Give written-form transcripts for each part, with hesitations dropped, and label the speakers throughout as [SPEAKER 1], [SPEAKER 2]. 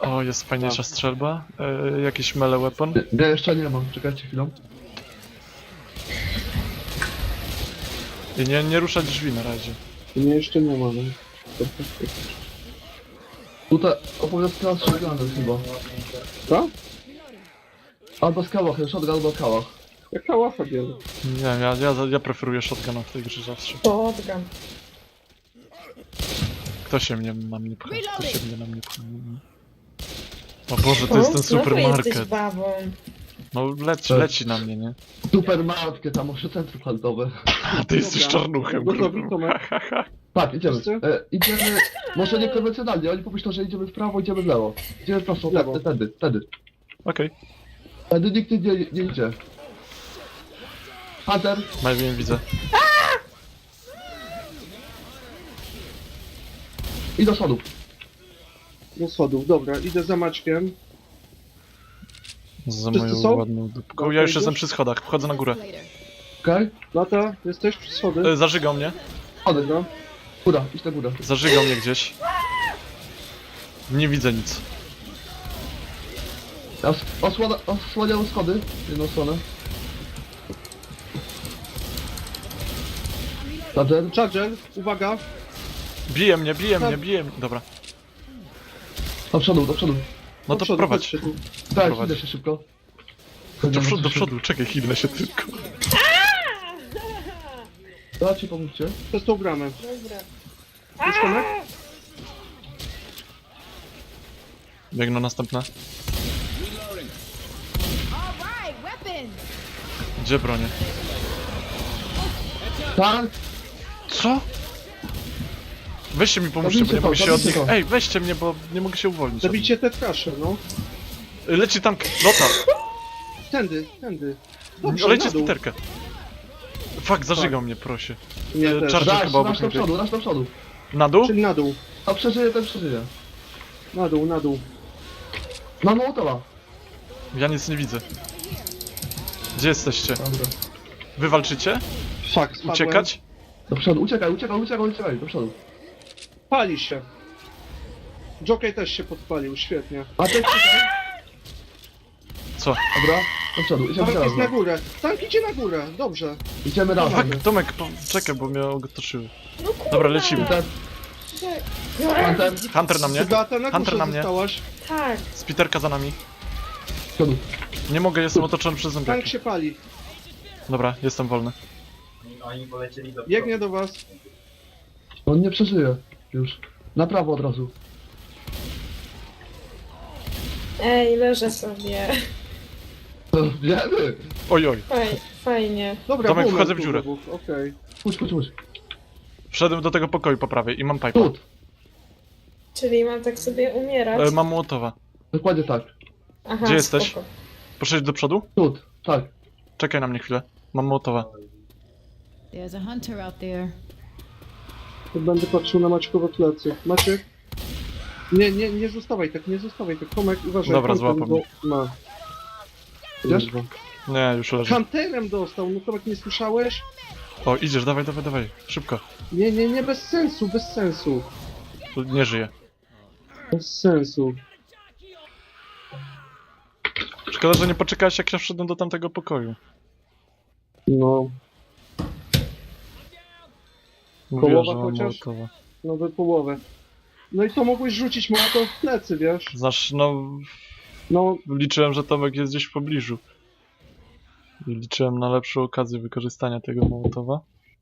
[SPEAKER 1] O, jest fajniejsza strzelba. Jakiś melee weapon.
[SPEAKER 2] Ja jeszcze nie mam, czekajcie chwilę.
[SPEAKER 1] I nie ruszać drzwi na razie.
[SPEAKER 3] Nie, jeszcze nie ma, no.
[SPEAKER 2] Tutaj opowiadka z shotgunem chyba.
[SPEAKER 3] Co?
[SPEAKER 2] Albo z kałach, shotgun albo kałach.
[SPEAKER 3] Jak kałacha bierze.
[SPEAKER 1] Nie, ja preferuję shotguna w tej grze zawsze.
[SPEAKER 4] Shotgun.
[SPEAKER 1] Kto się mnie na mnie pcha? Kto się mnie na mnie pcha? O Boże, to jest ten
[SPEAKER 4] Znowu
[SPEAKER 1] supermarket.
[SPEAKER 4] jesteś babą.
[SPEAKER 1] No
[SPEAKER 2] Tak.
[SPEAKER 1] leci na mnie, nie?
[SPEAKER 2] Supermarket, tam może centrum handlowe.
[SPEAKER 1] A ty jesteś
[SPEAKER 3] Dobra.
[SPEAKER 1] czarnuchem,
[SPEAKER 3] Gotowi,
[SPEAKER 1] grubym.
[SPEAKER 3] Tomek?
[SPEAKER 2] Tak, idziemy.
[SPEAKER 3] Wszyscy?
[SPEAKER 2] Idziemy, może niekonwencjonalnie, oni pomyślą, że idziemy w prawo, idziemy w lewo. Idziemy prosto,
[SPEAKER 3] W lewo.
[SPEAKER 2] tędy.
[SPEAKER 1] Okej,
[SPEAKER 2] Tędy nikt nie idzie. Hunter,
[SPEAKER 1] Malwin widzę.
[SPEAKER 2] i do schodów.
[SPEAKER 3] Do schodów, dobra, idę za Maćkiem.
[SPEAKER 1] Za
[SPEAKER 3] Wszyscy
[SPEAKER 1] moją
[SPEAKER 3] są?
[SPEAKER 1] ładną dupką.
[SPEAKER 3] Dobra,
[SPEAKER 1] Ja już
[SPEAKER 3] idziesz?
[SPEAKER 1] jestem przy schodach, wchodzę na górę.
[SPEAKER 2] Okej?
[SPEAKER 3] Lata, jesteś przy schody?
[SPEAKER 1] Zażygał mnie.
[SPEAKER 2] Schody.
[SPEAKER 3] Dobra.
[SPEAKER 2] Góra, idź na górę.
[SPEAKER 1] Zażygał mnie gdzieś. Nie widzę nic.
[SPEAKER 2] Ja osłaniam schody, jedną stronę. Hunter,
[SPEAKER 3] Charger, uwaga.
[SPEAKER 1] Bije mnie. Dobra.
[SPEAKER 2] do przodu.
[SPEAKER 1] No
[SPEAKER 3] Do
[SPEAKER 1] to
[SPEAKER 3] przodu,
[SPEAKER 1] prowadź.
[SPEAKER 3] chodźcie tu.
[SPEAKER 2] Tak,
[SPEAKER 1] Prowadź.
[SPEAKER 2] idę się szybko.
[SPEAKER 1] Do przodu, czekaj, chwilę się tylko.
[SPEAKER 2] Dajcie, pomóżcie.
[SPEAKER 3] Przez tą bramę.
[SPEAKER 4] Dobra.
[SPEAKER 3] Jest Tomek?
[SPEAKER 1] Biegną następne.
[SPEAKER 5] Alright, weapons!
[SPEAKER 1] Gdzie bronię?
[SPEAKER 2] Tak,
[SPEAKER 1] Co? Weźcie mi pomóżcie, bo nie mogę się od
[SPEAKER 2] zabijcie
[SPEAKER 1] nich...
[SPEAKER 2] to.
[SPEAKER 1] Ej, weźcie mnie, bo nie mogę się uwolnić.
[SPEAKER 3] Zabijcie te trasze, no.
[SPEAKER 1] Leci tank, Lotar.
[SPEAKER 3] Tędy. Dobrze,
[SPEAKER 1] Leci
[SPEAKER 3] na
[SPEAKER 1] z
[SPEAKER 3] dół.
[SPEAKER 1] Piterkę. Fuck, zażygał mnie, proszę.
[SPEAKER 3] Nie,
[SPEAKER 1] E,
[SPEAKER 3] też.
[SPEAKER 1] Charger
[SPEAKER 2] raz
[SPEAKER 1] chyba obok
[SPEAKER 2] do
[SPEAKER 1] mnie.
[SPEAKER 2] przodu, raz do przodu.
[SPEAKER 1] Na dół?
[SPEAKER 3] Czyli na dół.
[SPEAKER 2] A przeżyje, ten przeżyje.
[SPEAKER 3] Na dół.
[SPEAKER 2] Mam Mołotowa.
[SPEAKER 1] Ja nic nie widzę. Gdzie jesteście?
[SPEAKER 2] Dobra.
[SPEAKER 1] Wy walczycie?
[SPEAKER 3] Fuck, spadłem.
[SPEAKER 1] Uciekać?
[SPEAKER 2] Do przodu, uciekaj, do przodu.
[SPEAKER 3] Pali się. Jockey też się podpalił, świetnie.
[SPEAKER 2] A ty czekaj.
[SPEAKER 1] Co?
[SPEAKER 2] Dobra, do przodu, idziemy
[SPEAKER 3] Tank jest na
[SPEAKER 2] razem.
[SPEAKER 3] górę. Tank idzie na górę, dobrze.
[SPEAKER 2] Idziemy razem.
[SPEAKER 1] Fuck, Tomek, czekaj, bo mnie otoczyły.
[SPEAKER 4] No kurwa.
[SPEAKER 1] Dobra, lecimy.
[SPEAKER 2] Hunter,
[SPEAKER 1] Hunter na mnie.
[SPEAKER 3] Beata, na
[SPEAKER 1] Hunter
[SPEAKER 3] górze
[SPEAKER 1] na mnie.
[SPEAKER 3] zostałaś.
[SPEAKER 4] Tak.
[SPEAKER 1] Spiterka za nami.
[SPEAKER 2] do przodu.
[SPEAKER 1] Nie mogę, jestem otoczony przez
[SPEAKER 3] Tank
[SPEAKER 1] zombiaki.
[SPEAKER 3] się pali.
[SPEAKER 1] Dobra, jestem wolny.
[SPEAKER 3] Biegnie do was.
[SPEAKER 2] On nie przeżyje. Już. Na prawo od razu.
[SPEAKER 4] Ej, leżę sobie.
[SPEAKER 2] Wiemy.
[SPEAKER 1] Oj.
[SPEAKER 4] Fajnie.
[SPEAKER 3] Dobra,
[SPEAKER 1] Tomek,
[SPEAKER 3] boomer
[SPEAKER 1] wchodzę w
[SPEAKER 3] tu
[SPEAKER 1] dziurę.
[SPEAKER 3] wybuchł, okej.
[SPEAKER 2] Chodź.
[SPEAKER 1] Wszedłem do tego pokoju po prawej i mam pipa.
[SPEAKER 2] Tut.
[SPEAKER 4] Czyli mam tak sobie umierać?
[SPEAKER 1] Mam Mołotowa.
[SPEAKER 2] Dokładnie tak.
[SPEAKER 4] Aha,
[SPEAKER 1] Gdzie jesteś?
[SPEAKER 4] spoko.
[SPEAKER 1] Proszę iść do przodu?
[SPEAKER 2] Tut. Tak.
[SPEAKER 1] Czekaj na mnie chwilę. Mam Mołotowa.
[SPEAKER 5] There's a hunter out there.
[SPEAKER 3] To będę patrzył na Maćkowe plecy. Maciek? Nie zostawaj tak, nie zostawaj tak. Tomek, uważaj.
[SPEAKER 1] Dobra,
[SPEAKER 3] Hunter
[SPEAKER 1] złapał
[SPEAKER 3] go
[SPEAKER 1] mnie.
[SPEAKER 3] ma.
[SPEAKER 2] Idziesz?
[SPEAKER 3] Kurwa.
[SPEAKER 1] Nie, już leży.
[SPEAKER 3] Hunterem dostał, no Tomek, nie słyszałeś?
[SPEAKER 1] O, idziesz, dawaj. Szybko.
[SPEAKER 3] Nie, bez sensu.
[SPEAKER 1] Nie żyje.
[SPEAKER 3] Bez sensu.
[SPEAKER 1] Szkoda, że nie poczekałeś, jak ja wszedłem do tamtego pokoju.
[SPEAKER 3] No,
[SPEAKER 1] Mówiłem,
[SPEAKER 3] Połowa
[SPEAKER 1] że mam
[SPEAKER 3] chociaż?
[SPEAKER 1] Mołotowa.
[SPEAKER 3] no wy połowę. No i to mogłeś rzucić mu to w plecy, wiesz?
[SPEAKER 1] Znaczy, no...
[SPEAKER 3] No,
[SPEAKER 1] Liczyłem, że Tomek jest gdzieś w pobliżu. I liczyłem na lepszą okazję wykorzystania tego Mołotowa.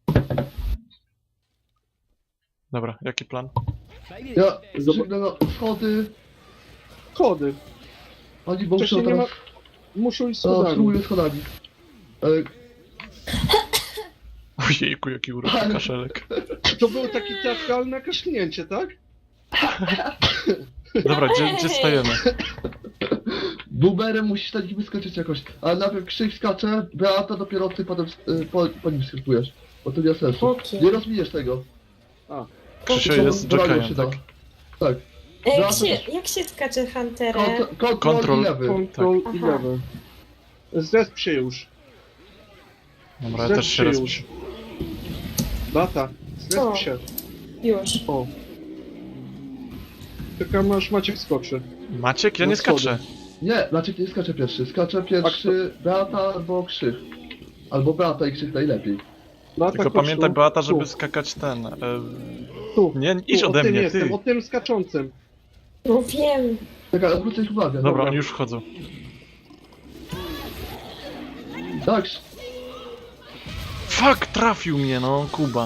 [SPEAKER 1] Dobra, jaki plan?
[SPEAKER 2] Ja biegnę na schody.
[SPEAKER 3] schody.
[SPEAKER 2] Oni muszą
[SPEAKER 3] Wcześniej nie ma...
[SPEAKER 2] teraz...
[SPEAKER 3] Muszą iść
[SPEAKER 2] O,
[SPEAKER 3] schodami.
[SPEAKER 2] spróbuję schodami.
[SPEAKER 1] Ojejku, jaki uroczy kaszelek.
[SPEAKER 3] To było takie teatralne kaszlnięcie, tak?
[SPEAKER 1] Dobra, gdzie stajemy?
[SPEAKER 2] Boomerem musisz na nich wyskoczyć jakoś. Ale najpierw Krzyk skacze, Beata dopiero ty potem po nim skakujesz. Bo to nie ma sensu.
[SPEAKER 4] Okej.
[SPEAKER 2] Nie rozbijesz tego.
[SPEAKER 1] Krzysiu
[SPEAKER 2] To
[SPEAKER 1] jest
[SPEAKER 2] bronią
[SPEAKER 1] jockeyem,
[SPEAKER 2] się
[SPEAKER 1] tak?
[SPEAKER 2] da. Tak.
[SPEAKER 4] Ej,
[SPEAKER 2] Beata też-
[SPEAKER 4] jak się skacze Hunterem?
[SPEAKER 2] Kontrol
[SPEAKER 1] Kontrol.
[SPEAKER 2] i lewy.
[SPEAKER 3] Control i
[SPEAKER 4] Aha.
[SPEAKER 3] lewy. Zresp się już.
[SPEAKER 1] Dobra, ja też się raz...
[SPEAKER 3] już. Bata,
[SPEAKER 4] Co?
[SPEAKER 3] zresp się.
[SPEAKER 4] Już.
[SPEAKER 3] O. Tylko Maciek skoczy.
[SPEAKER 1] Maciek? Ja
[SPEAKER 3] No
[SPEAKER 1] nie
[SPEAKER 3] schody.
[SPEAKER 1] skaczę.
[SPEAKER 2] Nie, Maciek nie skacze pierwszy. Skacze pierwszy Beata albo Krzyk. Albo Beata i Krzyk najlepiej.
[SPEAKER 3] Beata,
[SPEAKER 1] Tylko
[SPEAKER 3] chodź
[SPEAKER 1] pamiętaj,
[SPEAKER 3] tu.
[SPEAKER 1] Beata, żeby
[SPEAKER 3] Tu,
[SPEAKER 1] skakać ten...
[SPEAKER 3] tu.
[SPEAKER 1] Nie, idź
[SPEAKER 3] Tu,
[SPEAKER 1] ode
[SPEAKER 3] o tym
[SPEAKER 1] mnie,
[SPEAKER 3] jestem,
[SPEAKER 1] ty.
[SPEAKER 3] o tym skaczącym.
[SPEAKER 4] No wiem.
[SPEAKER 2] Czekaj, odwrócę ich uwagę.
[SPEAKER 1] Dobra, oni już wchodzą.
[SPEAKER 2] Tak,
[SPEAKER 1] Fuck, trafił mnie, no, Kuba.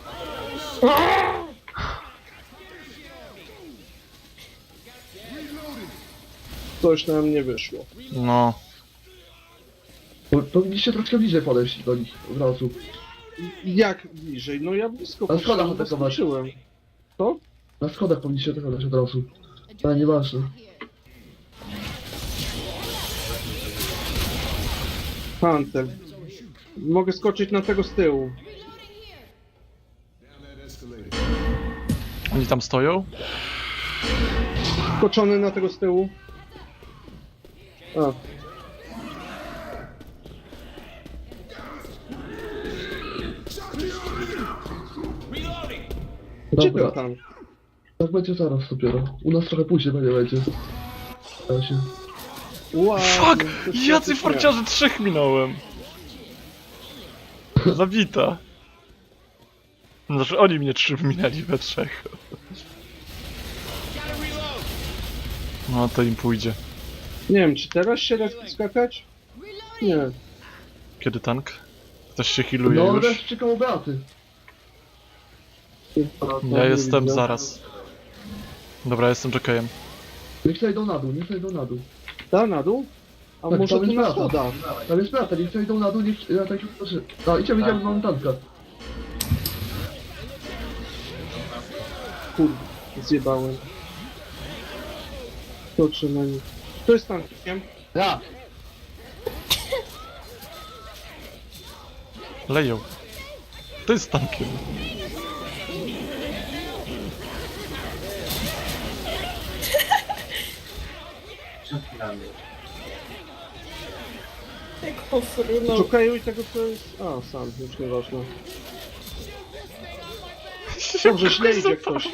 [SPEAKER 3] Coś nam nie wyszło.
[SPEAKER 1] No.
[SPEAKER 2] powinniście troszkę bliżej podejść do nich od razu.
[SPEAKER 3] Jak bliżej? No ja blisko
[SPEAKER 2] Na schodach
[SPEAKER 3] poszedłem,
[SPEAKER 2] atakować.
[SPEAKER 3] skoczyłem. To?
[SPEAKER 2] Na schodach powinniście atakować od razu. Ale nieważne.
[SPEAKER 3] Hunter. Mogę skoczyć na tego z tyłu.
[SPEAKER 1] Oni tam stoją?
[SPEAKER 3] Skoczony na tego z tyłu. A. Gdzie
[SPEAKER 2] Dobra,
[SPEAKER 3] ten tank?
[SPEAKER 2] tak będzie zaraz dopiero. U nas trochę później będzie. Ja się...
[SPEAKER 3] Wow,
[SPEAKER 1] Fuck!
[SPEAKER 3] to się
[SPEAKER 1] Jacy
[SPEAKER 3] jakoś
[SPEAKER 1] farciarze 3 minąłem. Zabita. Znaczy oni mnie 3 minęli we 3. No to im pójdzie.
[SPEAKER 3] Nie wiem, czy teraz się da skakać? Nie.
[SPEAKER 1] Kiedy tank? Ktoś się healuje
[SPEAKER 2] No,
[SPEAKER 1] już?
[SPEAKER 2] reszcie koło Beaty.
[SPEAKER 1] Ja jestem zaraz. Dobra, jestem jockeyem.
[SPEAKER 2] Niech zejdą na dół, niech zejdą na dół.
[SPEAKER 3] Da na dół? A
[SPEAKER 2] Tak,
[SPEAKER 3] może
[SPEAKER 2] tam
[SPEAKER 3] tu
[SPEAKER 2] jest
[SPEAKER 3] na
[SPEAKER 2] Beata.
[SPEAKER 3] schodach?
[SPEAKER 2] Tam jest Beata, niech zejdą na dół, niech... Ja tak proszę. A, idziemy, mamy tanka.
[SPEAKER 3] Kurde, zjebałem. Skoczę na nich. To jest tankiem.
[SPEAKER 2] Ja!
[SPEAKER 1] Leją. To jest tankiem.
[SPEAKER 4] Jak pofrunął.
[SPEAKER 3] Szukają i tego co jest... A, sam, już nieważne. Dobrze, źle idzie ktoś.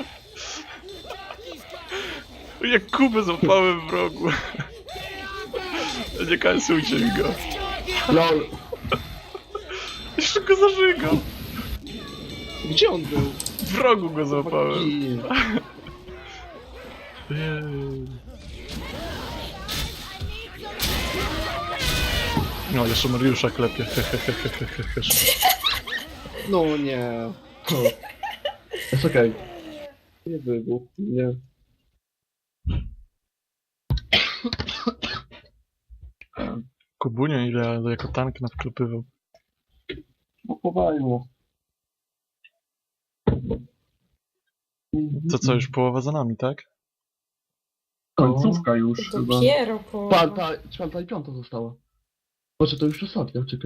[SPEAKER 1] Jak Kubę złapałem w rogu. Nie kańcujcie mi go.
[SPEAKER 2] LOL!
[SPEAKER 1] Jeszcze go zażygał.
[SPEAKER 3] Gdzie on był?
[SPEAKER 1] W rogu go złapałem.
[SPEAKER 3] I...
[SPEAKER 1] Jej. No, jeszcze Mariusza klepie.
[SPEAKER 3] No nie.
[SPEAKER 2] Jest okej.
[SPEAKER 3] Nie wybuchł. Nie.
[SPEAKER 1] Kubunio ile jako tank nawklepywał.
[SPEAKER 3] Chowajmo.
[SPEAKER 1] To co, już połowa za nami, tak?
[SPEAKER 3] Końcówka już chyba.
[SPEAKER 4] Dopiero połowa.
[SPEAKER 2] Czwarta i piąta została. Boże, to już ostatnia, czekaj.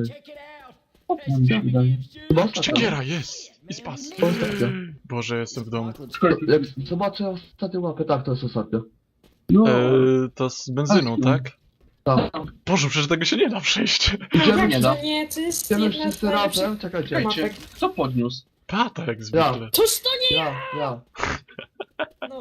[SPEAKER 3] Chyba
[SPEAKER 1] Szczekiera, jest! I spas.
[SPEAKER 2] To ostatnia.
[SPEAKER 1] Boże, jestem w domu.
[SPEAKER 2] Jak zobaczę ostatnią łapę, tak, to jest ostatnia.
[SPEAKER 3] No.
[SPEAKER 1] To z benzyną, tak?
[SPEAKER 2] Tak.
[SPEAKER 1] Boże, przecież tego się nie da przejść.
[SPEAKER 2] Idziemy,
[SPEAKER 4] Jak to nie? To jest
[SPEAKER 2] idziemy
[SPEAKER 4] jedna z
[SPEAKER 2] wszyscy
[SPEAKER 4] najlepszych
[SPEAKER 2] razem, czekajcie.
[SPEAKER 4] mapek.
[SPEAKER 3] Kto podniósł?
[SPEAKER 1] Pata jak zwykle.
[SPEAKER 4] Toż to nie
[SPEAKER 2] Ja.
[SPEAKER 4] no.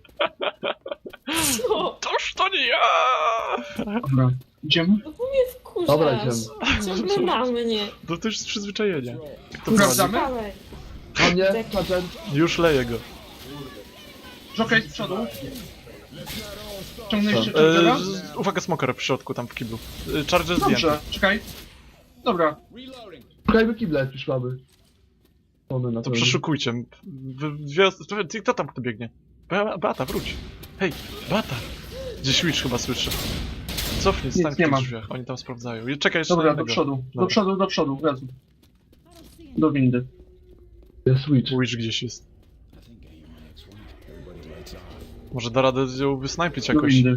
[SPEAKER 4] Co?
[SPEAKER 1] Toż to nie ja!
[SPEAKER 3] Dobra. Idziemy?
[SPEAKER 4] No bo mnie wkurzasz.
[SPEAKER 2] Dobra, idziemy.
[SPEAKER 4] Coś na mnie.
[SPEAKER 1] No to już z przyzwyczajenia. Jak to
[SPEAKER 3] Sprawdzamy?
[SPEAKER 4] Dawaj.
[SPEAKER 2] A mnie,
[SPEAKER 4] Tak.
[SPEAKER 2] Sargent.
[SPEAKER 1] Już leję go.
[SPEAKER 3] Jockey z przodu. Ciągnęliście
[SPEAKER 2] Co?
[SPEAKER 3] Chargera?
[SPEAKER 1] Uwaga, smoker w środku, tam w kiblu. Charger zdjęty.
[SPEAKER 3] Dobrze, czekaj. Dobra.
[SPEAKER 2] Szukajmy kible, jak już mamy. One na
[SPEAKER 1] To
[SPEAKER 2] pewno.
[SPEAKER 1] przeszukujcie. Kto tam kto biegnie? Beata, wróć. Hej, Beata! Gdzieś Witch chyba słyszę. Cofnij,
[SPEAKER 3] Nic
[SPEAKER 1] stań w
[SPEAKER 3] nie
[SPEAKER 1] tych
[SPEAKER 3] ma.
[SPEAKER 1] drzwiach. Oni tam sprawdzają. Czekaj jeszcze
[SPEAKER 3] Dobra,
[SPEAKER 1] na
[SPEAKER 3] do
[SPEAKER 1] jednego.
[SPEAKER 3] przodu.
[SPEAKER 1] Dobra.
[SPEAKER 3] Do przodu, gazu. Do windy.
[SPEAKER 2] Jest switch.
[SPEAKER 1] Witch gdzieś jest. Może da radę ją wysnajpić
[SPEAKER 3] Do
[SPEAKER 1] jakoś.
[SPEAKER 3] windy.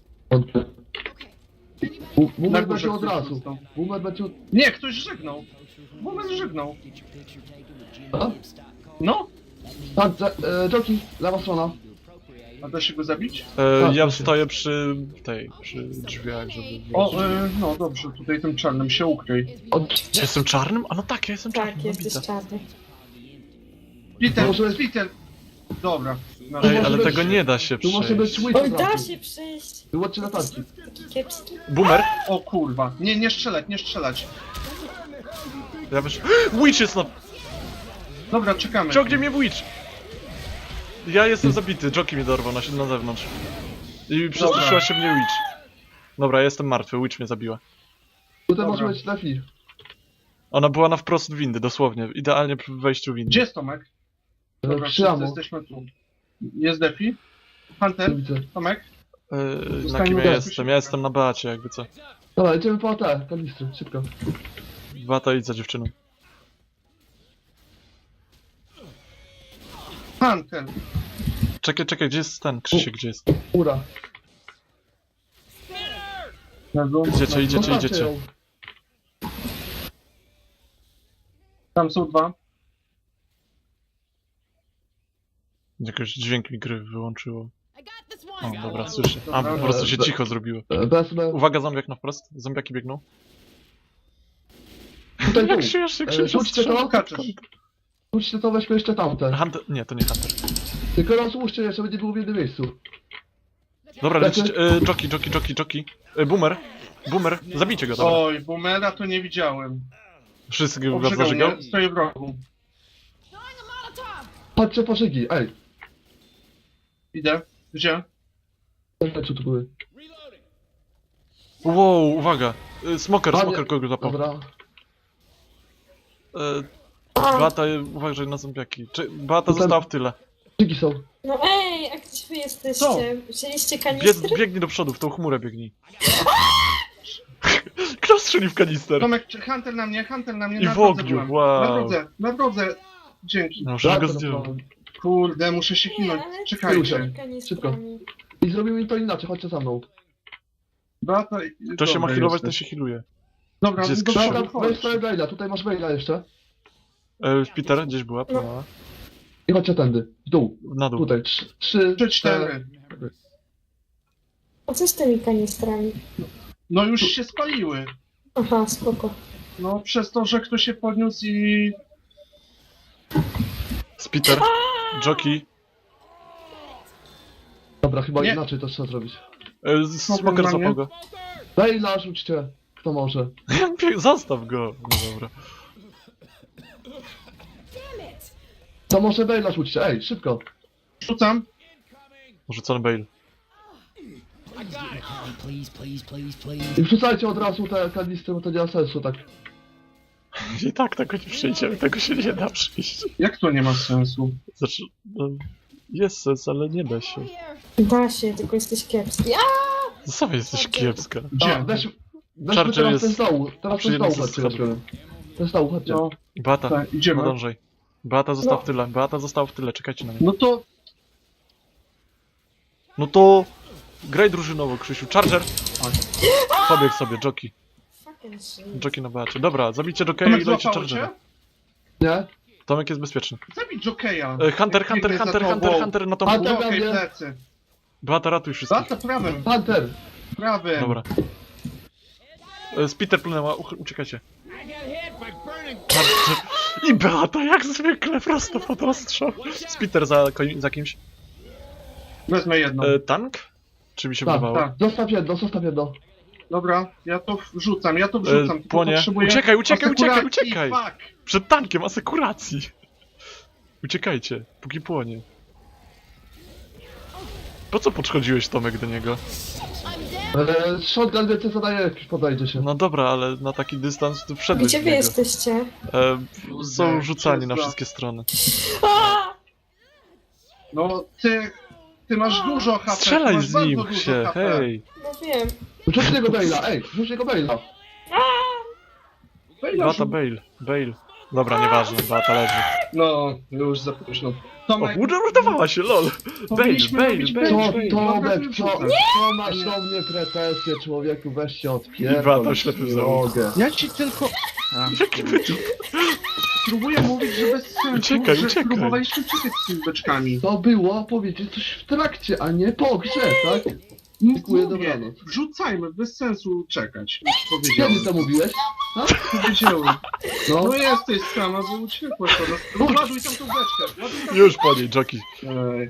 [SPEAKER 2] Boomer
[SPEAKER 3] górze
[SPEAKER 2] będzie od
[SPEAKER 3] ktoś
[SPEAKER 2] razu.
[SPEAKER 3] został.
[SPEAKER 2] Boomer będzie od...
[SPEAKER 3] Nie, ktoś żegnał. Moment żegnał.
[SPEAKER 2] A?
[SPEAKER 3] No?
[SPEAKER 2] Tak, Joki, lewa strona.
[SPEAKER 3] A da się go zabić?
[SPEAKER 2] Tak,
[SPEAKER 1] Ja
[SPEAKER 2] da się.
[SPEAKER 1] stoję przy przy drzwiach, żeby...
[SPEAKER 3] O, no dobrze, tutaj tym czarnym się ukryj.
[SPEAKER 2] Od...
[SPEAKER 1] Ja jestem czarnym? A no tak, ja jestem
[SPEAKER 4] Tak,
[SPEAKER 1] czarnym.
[SPEAKER 4] jesteś
[SPEAKER 1] widzę.
[SPEAKER 4] czarny.
[SPEAKER 3] Peter,
[SPEAKER 2] Może-
[SPEAKER 3] Peter!
[SPEAKER 6] Dobra. Na
[SPEAKER 1] Ej,
[SPEAKER 2] może
[SPEAKER 1] ale
[SPEAKER 2] być-
[SPEAKER 1] tego nie da się
[SPEAKER 2] Tu może być
[SPEAKER 1] przejść.
[SPEAKER 2] Witch
[SPEAKER 4] Oj,
[SPEAKER 2] od
[SPEAKER 4] da
[SPEAKER 2] razu.
[SPEAKER 4] się przejść.
[SPEAKER 2] Wyłączcie latarki.
[SPEAKER 4] Taki kiepski.
[SPEAKER 1] Boomer?
[SPEAKER 6] O kurwa. Nie, nie strzelać, nie strzelać.
[SPEAKER 1] Ja wiesz... Witch jest na...
[SPEAKER 6] Dobra, czekamy.
[SPEAKER 1] Ciągnie mnie Witch! Ja jestem zabity, Joki mnie dorwał na zewnątrz. I przestraszyła się mnie Witch. Dobra, ja jestem martwy, Witch mnie zabiła.
[SPEAKER 2] Tutaj
[SPEAKER 6] Dobra.
[SPEAKER 2] może być Lefi.
[SPEAKER 1] Ona była na wprost windy, dosłownie. Idealnie przy wejściu windy.
[SPEAKER 6] Gdzie jest Tomek? Dobra,
[SPEAKER 2] Przy
[SPEAKER 6] wszyscy
[SPEAKER 2] amo.
[SPEAKER 6] jesteśmy tu. Jest Defi? Hunter?
[SPEAKER 2] Widzę.
[SPEAKER 6] Tomek?
[SPEAKER 1] Na
[SPEAKER 6] Zostańmy
[SPEAKER 1] kim ja
[SPEAKER 6] tu.
[SPEAKER 1] jestem? Ja jestem na Beacie, jakby co.
[SPEAKER 2] Dobra, idziemy po te kanistry, szybko.
[SPEAKER 1] Beata idź za dziewczyną.
[SPEAKER 6] Hunter!
[SPEAKER 1] Czekaj, gdzie jest ten? Krzysiek, gdzie jest?
[SPEAKER 2] Ura.
[SPEAKER 6] Na dół.
[SPEAKER 1] Idziecie.
[SPEAKER 2] Zostawcie ją.
[SPEAKER 6] Tam są dwa.
[SPEAKER 1] Jakoś dźwięk mi gry wyłączyło.
[SPEAKER 5] I got this
[SPEAKER 1] O,
[SPEAKER 5] one.
[SPEAKER 1] dobra, słyszę. A,
[SPEAKER 6] Dobra.
[SPEAKER 1] po prostu się cicho zrobiło.
[SPEAKER 2] Wezmę.
[SPEAKER 1] Uwaga, zombiak na wprost. Zombiaki biegną.
[SPEAKER 2] Tutaj
[SPEAKER 1] Jak
[SPEAKER 2] tu.
[SPEAKER 1] śmiesznie
[SPEAKER 2] Rzućcie
[SPEAKER 1] Krzysiu
[SPEAKER 2] to.
[SPEAKER 6] Kaczysz.
[SPEAKER 2] Rzućcie to, weźmy jeszcze tamte.
[SPEAKER 1] Hunter... Nie, to nie Hunter.
[SPEAKER 2] Tylko rozłóżcie je, żeby nie było w jednym miejscu.
[SPEAKER 1] Dobra,
[SPEAKER 2] Lecy.
[SPEAKER 1] lecicie. Joki. Boomer, zabijcie go, dobra.
[SPEAKER 6] Oj, boomera to nie widziałem.
[SPEAKER 1] Wszystkiego was
[SPEAKER 6] Obrzygał
[SPEAKER 1] zażygał?
[SPEAKER 6] mnie, stoję w rogu.
[SPEAKER 5] Throwing a Molotov.
[SPEAKER 2] Patrzcie po szygi, ej.
[SPEAKER 6] Idę. Gdzie?
[SPEAKER 2] Co tu były?
[SPEAKER 1] Wow, uwaga. Smoker
[SPEAKER 2] Panie-
[SPEAKER 1] kogo zapał.
[SPEAKER 2] Dobra.
[SPEAKER 1] Beata, uważaj na zombiaki. Beata
[SPEAKER 2] Tutaj-
[SPEAKER 1] została w tyle.
[SPEAKER 2] Szygi są.
[SPEAKER 4] No ej, a gdzie wy jesteście?
[SPEAKER 6] Co?
[SPEAKER 4] Wzięliście kanistry?
[SPEAKER 1] Biegnij do przodu, w tą chmurę biegnij. Kto strzelił w kanister?
[SPEAKER 6] Tomek, Hunter na mnie,
[SPEAKER 1] I
[SPEAKER 6] na
[SPEAKER 1] w
[SPEAKER 6] drodze
[SPEAKER 1] ogniu,
[SPEAKER 6] byłem.
[SPEAKER 1] wow.
[SPEAKER 6] Na drodze. Dzięki.
[SPEAKER 1] No, przecież go
[SPEAKER 2] Wracam
[SPEAKER 1] zdjął.
[SPEAKER 2] do-
[SPEAKER 6] Kurde, muszę się
[SPEAKER 4] Nie,
[SPEAKER 6] kinąć.
[SPEAKER 4] ale
[SPEAKER 6] Czekajcie.
[SPEAKER 4] kanistrami.
[SPEAKER 2] I zrobimy to inaczej, chodźcie za mną.
[SPEAKER 6] Beata,
[SPEAKER 1] To się ma
[SPEAKER 6] dobra,
[SPEAKER 1] healować,
[SPEAKER 6] jesteś.
[SPEAKER 1] to się healuje.
[SPEAKER 6] Dobra,
[SPEAKER 1] Gdzie jest
[SPEAKER 6] do
[SPEAKER 1] Krzysiu?
[SPEAKER 6] przodu,
[SPEAKER 2] Dobra, weź
[SPEAKER 6] chodź.
[SPEAKER 2] sobie Bejla, tutaj masz Bejla jeszcze.
[SPEAKER 1] Peter, gdzieś była? No.
[SPEAKER 2] I chodźcie tędy, w dół.
[SPEAKER 1] Na dół.
[SPEAKER 2] Tutaj, 3,
[SPEAKER 6] 3-4.
[SPEAKER 4] A co z tymi kanistrami?
[SPEAKER 6] No już się spaliły.
[SPEAKER 4] Aha, spoko.
[SPEAKER 6] No przez to, że ktoś się podniósł i...
[SPEAKER 1] Peter, Joki,
[SPEAKER 2] Dobra, chyba
[SPEAKER 6] Nie.
[SPEAKER 2] inaczej to trzeba zrobić.
[SPEAKER 1] Smoker
[SPEAKER 6] na mnie.
[SPEAKER 1] zapał go.
[SPEAKER 2] Bejla rzućcie, kto może.
[SPEAKER 1] Zostaw go. No dobra.
[SPEAKER 2] To może Bejla rzućcie, ej, szybko.
[SPEAKER 6] Rzucam.
[SPEAKER 1] Rzucony Bale.
[SPEAKER 2] I wrzucajcie od razu te kanistry, bo to nie ma sensu, tak.
[SPEAKER 1] I tak tego nie przejdziemy, tego się nie da przejść.
[SPEAKER 6] Jak to nie ma sensu?
[SPEAKER 1] Znaczy, no, jest sens, ale nie da się.
[SPEAKER 5] Here.
[SPEAKER 4] Da się, tylko jesteś kiepski. A!
[SPEAKER 1] Sam jesteś kiepska.
[SPEAKER 2] A,
[SPEAKER 6] Gdzie?
[SPEAKER 2] weźmy
[SPEAKER 1] Charger
[SPEAKER 2] teraz
[SPEAKER 1] jest
[SPEAKER 2] ten z dołu, teraz
[SPEAKER 1] przy
[SPEAKER 2] ten z dołu,
[SPEAKER 1] jednym ze
[SPEAKER 2] chodźcie,
[SPEAKER 1] schodów.
[SPEAKER 2] weźmiemy. Ten z dołu, chodźcie.
[SPEAKER 6] No,
[SPEAKER 1] Beata,
[SPEAKER 6] tak, idziemy.
[SPEAKER 1] podążaj. Beata została
[SPEAKER 4] No.
[SPEAKER 1] w tyle, Beata została w tyle, czekajcie na mnie.
[SPEAKER 6] No to...
[SPEAKER 1] No to... Graj drużynowo, Krzysiu. Charger! Pobiegł sobie, Joki.
[SPEAKER 4] Fucking shit.
[SPEAKER 1] Joki na Beacie. Dobra, zabijcie Jokeja
[SPEAKER 6] Tomek
[SPEAKER 1] i dajcie
[SPEAKER 6] złapało cię?
[SPEAKER 1] Chargera.
[SPEAKER 2] Nie?
[SPEAKER 1] Tomek jest bezpieczny.
[SPEAKER 6] Zabij Jokeja.
[SPEAKER 1] Hunter na tą...
[SPEAKER 2] Hunter.
[SPEAKER 6] Okej, plecy.
[SPEAKER 1] Beata, ratuj wszystkich.
[SPEAKER 6] Beata prawym,
[SPEAKER 2] Hunter!
[SPEAKER 6] prawym.
[SPEAKER 1] Dobra. Peter plunęła, uciekajcie. Charger. I Beata, jak zwykle, prosto pod ostrzał. Peter za kimś.
[SPEAKER 6] Wezmę jedną.
[SPEAKER 1] Tank? Czy mi się
[SPEAKER 2] Tak,
[SPEAKER 1] wydawało?
[SPEAKER 6] tak.
[SPEAKER 2] Zostaw jedno.
[SPEAKER 6] Dobra, ja to wrzucam, tylko
[SPEAKER 1] Płonie.
[SPEAKER 6] potrzebuję
[SPEAKER 1] Uciekaj.
[SPEAKER 6] asekuracji, fuck.
[SPEAKER 1] Przed tankiem, asekuracji. Uciekajcie, póki płonie. Po co podchodziłeś, Tomek, do niego?
[SPEAKER 2] Shotgun więcej zadaje, jak podejdzie się.
[SPEAKER 1] No dobra, ale na taki dystans ty wszedłeś
[SPEAKER 4] Gdzie
[SPEAKER 1] w
[SPEAKER 4] wy
[SPEAKER 1] niego.
[SPEAKER 4] jesteście?
[SPEAKER 1] Są rzucani na
[SPEAKER 6] Wszystko.
[SPEAKER 1] wszystkie strony.
[SPEAKER 4] A!
[SPEAKER 6] No, ty masz dużo HP. ty
[SPEAKER 1] Strzelaj
[SPEAKER 6] masz
[SPEAKER 1] z
[SPEAKER 6] bardzo
[SPEAKER 1] nim
[SPEAKER 6] dużo
[SPEAKER 1] się,
[SPEAKER 6] HP.
[SPEAKER 1] hej.
[SPEAKER 4] No wiem.
[SPEAKER 2] Rzuć niego Bejla, ej, rzuć niego Bejla.
[SPEAKER 1] Beata, Bale. Dobra, nieważne, Beata leży.
[SPEAKER 6] No, już za późno.
[SPEAKER 1] O,
[SPEAKER 6] Tomek,
[SPEAKER 1] uratowała się, lol.
[SPEAKER 6] powinniśmy
[SPEAKER 1] Bale,
[SPEAKER 6] robić
[SPEAKER 1] Bale.
[SPEAKER 2] Co,
[SPEAKER 6] Bale. Dobra,
[SPEAKER 2] Tomek,
[SPEAKER 6] wyrzucam.
[SPEAKER 2] co masz do mnie pretensje, człowieku, weź się
[SPEAKER 1] I
[SPEAKER 2] odpierdol.
[SPEAKER 1] Beata ślepy za ucho.
[SPEAKER 2] Mogę.
[SPEAKER 6] Ja ci tylko...
[SPEAKER 1] Jaki wyczuł?
[SPEAKER 6] Próbuję mówić, że bez sensu,
[SPEAKER 1] Uciekaj,
[SPEAKER 6] że
[SPEAKER 1] uciekaj.
[SPEAKER 6] próbowaliśmy uciekać z tymi beczkami.
[SPEAKER 2] To było powiedzieć coś w trakcie, a nie po grze, tak? Dziękuję,
[SPEAKER 6] Mówię,
[SPEAKER 2] dobranoc.
[SPEAKER 6] wrzucajmy, bez sensu czekać.
[SPEAKER 2] Kiedy
[SPEAKER 6] Powiedziałem.
[SPEAKER 2] to mówiłeś?
[SPEAKER 6] Powiedziałem.
[SPEAKER 2] No.
[SPEAKER 6] No jesteś sama, bo uciekłaś od nas. No, ładuj tam tą beczkę. Ładuj tam...
[SPEAKER 1] Już po niej, Joki.
[SPEAKER 6] Ej.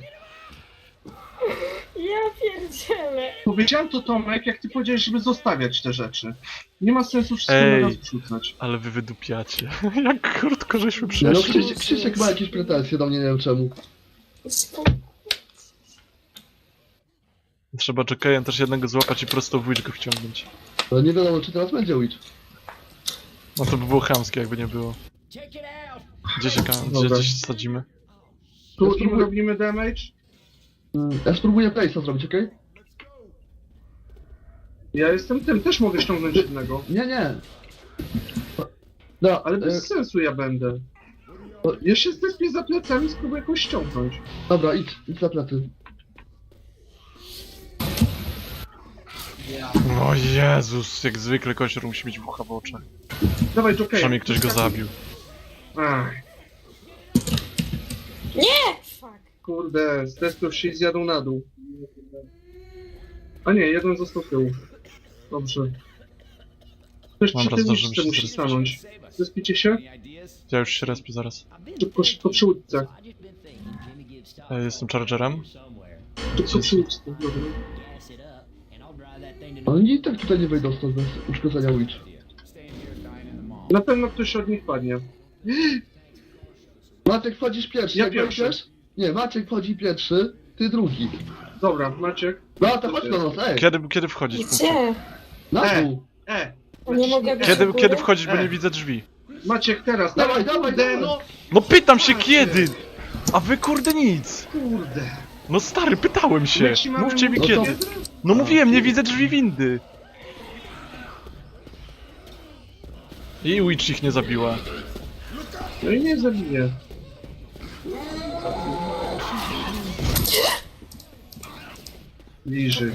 [SPEAKER 4] Ja pierdzielę.
[SPEAKER 6] Powiedziałem to, Tomek, jak ty powiedziałeś, żeby zostawiać te rzeczy. Nie ma sensu wszystko
[SPEAKER 1] Ej.
[SPEAKER 6] na nas wrzucać.
[SPEAKER 1] Ale wy wydupiacie. Jak krótko żeśmy
[SPEAKER 2] Nie, no
[SPEAKER 1] przeszli.
[SPEAKER 2] Krzysiek ma jakieś pretensje do mnie, nie wiem czemu.
[SPEAKER 1] Trzeba Jokejem też jednego złapać i prosto w Witch go wciągnąć.
[SPEAKER 2] Ale nie wiadomo, czy teraz będzie Witch.
[SPEAKER 1] No to by było chamskie, jakby nie było.
[SPEAKER 6] Dobra.
[SPEAKER 1] Gdzieś sadzimy?
[SPEAKER 6] Tu im robimy damage.
[SPEAKER 2] Ja spróbuję place'a zrobić, okej?
[SPEAKER 6] Ja jestem tym, też mogę ściągnąć jednego.
[SPEAKER 2] Nie. No,
[SPEAKER 6] Ale bez sensu ja będę. Ja się zdespię za plecami, spróbuję jakoś ściągnąć.
[SPEAKER 2] dobra, idź za plecy.
[SPEAKER 1] O Jezus, jak zwykle kościor musi mieć bucha w oczach.
[SPEAKER 6] Dawaj, Joker.
[SPEAKER 1] Przynajmniej ktoś go zabił.
[SPEAKER 6] Ach,
[SPEAKER 4] Fuck.
[SPEAKER 6] kurde, zdespią się i zjadą na dół. A nie, jeden został tyłu. Dobrze. Ktoś przy
[SPEAKER 1] Dobra,
[SPEAKER 6] tym
[SPEAKER 1] zdążymy
[SPEAKER 6] łódce
[SPEAKER 1] się
[SPEAKER 6] musi
[SPEAKER 1] zrespić.
[SPEAKER 6] stanąć. Zespicie się?
[SPEAKER 1] Ja już się respię zaraz.
[SPEAKER 6] Szybko przy łódce.
[SPEAKER 1] Jestem Chargerem.
[SPEAKER 6] Szybko przy łódce, dobra.
[SPEAKER 2] Oni i tak tutaj nie wejdą stąd bez uszkodzenia Witch.
[SPEAKER 6] Na pewno ktoś od nich padnie.
[SPEAKER 2] Maciek wchodzisz pierwszy,
[SPEAKER 6] Ja
[SPEAKER 2] jak
[SPEAKER 6] pierwszy.
[SPEAKER 2] wejdziesz? Nie, Maciek wchodzi pierwszy, ty drugi.
[SPEAKER 6] Dobra, Maciek.
[SPEAKER 2] Beata, chodź do nas, ej!
[SPEAKER 1] Kiedy wchodzić?
[SPEAKER 4] Gdzie?
[SPEAKER 2] Na dół!
[SPEAKER 4] Nie mogę być
[SPEAKER 1] Kiedy,
[SPEAKER 4] u góry?
[SPEAKER 1] kiedy wchodzić, bo
[SPEAKER 6] Ej.
[SPEAKER 1] nie widzę drzwi?
[SPEAKER 6] Maciek, teraz.
[SPEAKER 2] Dawaj,
[SPEAKER 6] kurde,
[SPEAKER 2] dawaj!
[SPEAKER 6] no
[SPEAKER 1] No pytam się kiedy! A wy kurde nic!
[SPEAKER 6] kurde.
[SPEAKER 1] No stary, pytałem się!
[SPEAKER 6] My ci mamy
[SPEAKER 1] Mówcie mi
[SPEAKER 6] mówić,
[SPEAKER 2] No to-
[SPEAKER 1] kiedy! No mówiłem, nie widzę drzwi windy! I Witch ich nie zabiła.
[SPEAKER 6] No i nie zabiję. Bliżej.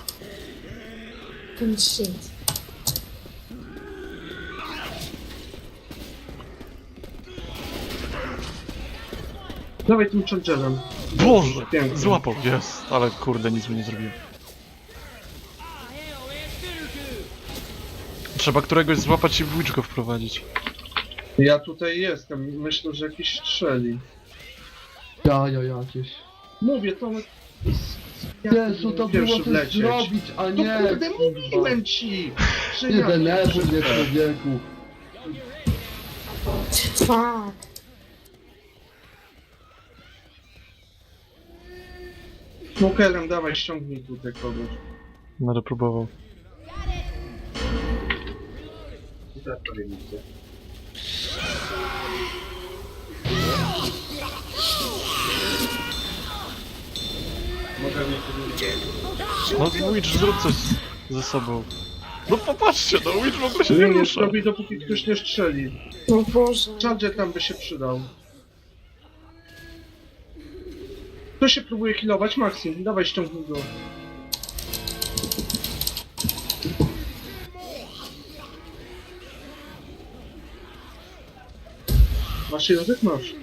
[SPEAKER 4] Ten shit.
[SPEAKER 6] Dawaj tym chargerem.
[SPEAKER 1] Boże!
[SPEAKER 6] Pięknie.
[SPEAKER 1] Złapał, jest! Ale kurde, nic mi nie zrobiłem. Trzeba któregoś złapać i w Witch go wprowadzić.
[SPEAKER 6] Ja tutaj jestem. Myślę, że jakiś strzeli.
[SPEAKER 2] Ja, jakieś.
[SPEAKER 6] Mówię, to...
[SPEAKER 2] Jezu, to było
[SPEAKER 6] pierwszy
[SPEAKER 2] coś
[SPEAKER 6] wlecieć.
[SPEAKER 2] zrobić, a
[SPEAKER 6] No
[SPEAKER 2] nie!
[SPEAKER 6] kurde, mówiłem ci! Że
[SPEAKER 2] Nie
[SPEAKER 6] ja-
[SPEAKER 2] denerwuj mnie, człowieku.
[SPEAKER 4] Fuck.
[SPEAKER 6] Smokerem, dawaj, ściągnij tutaj kogoś.
[SPEAKER 1] Będę próbował. No Witch, zrób coś ze sobą. No popatrzcie, no Witch w ogóle się nie
[SPEAKER 6] Nie, nie
[SPEAKER 1] rusza.
[SPEAKER 6] zrobi, dopóki ktoś nie strzeli.
[SPEAKER 4] No Boże.
[SPEAKER 6] Charger tam by się przydał. Kto się próbuje healować? Maxim, dawaj, ściągnij go. Masz język? Masz.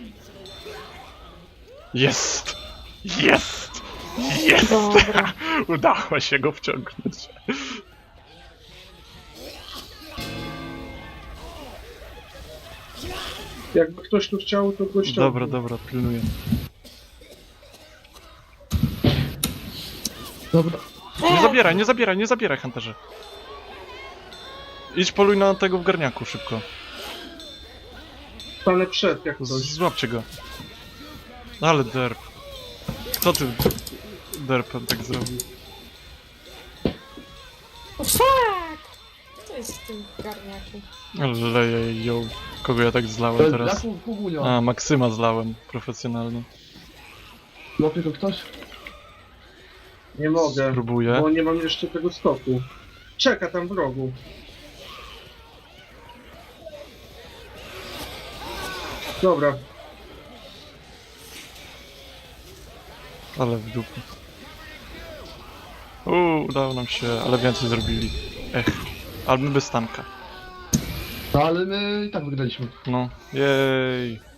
[SPEAKER 1] Jest! Jest! Jest!
[SPEAKER 4] Dobra.
[SPEAKER 1] Udało się go wciągnąć.
[SPEAKER 6] Jakby ktoś tu chciał, to go ściągnij.
[SPEAKER 1] Dobra, dobra, pilnuję.
[SPEAKER 2] Dobra.
[SPEAKER 1] Nie zabieraj, Hunterze. Idź poluj na tego w garniaku szybko.
[SPEAKER 6] Stanę przed, jak ktoś.
[SPEAKER 1] Złapcie go. Ale derp. Kto ty derpem tak zrobił?
[SPEAKER 4] O, fuck! Kto jest w tym garniaku?
[SPEAKER 1] Ale leje ją. Kogo ja tak zlałem teraz?
[SPEAKER 2] Jaką kugunio?
[SPEAKER 1] A, Maksyma zlałem profesjonalnie.
[SPEAKER 2] Łapie go ktoś?
[SPEAKER 6] Nie mogę,
[SPEAKER 1] Spróbuję.
[SPEAKER 6] bo nie mam jeszcze tego stoku. Czeka tam w rogu. Dobra,
[SPEAKER 1] Ale w dupę. Udało nam się, ale więcej zrobili. Ech. Ale my bez tanka.
[SPEAKER 2] No ale my i tak wygraliśmy.
[SPEAKER 1] No. Jej.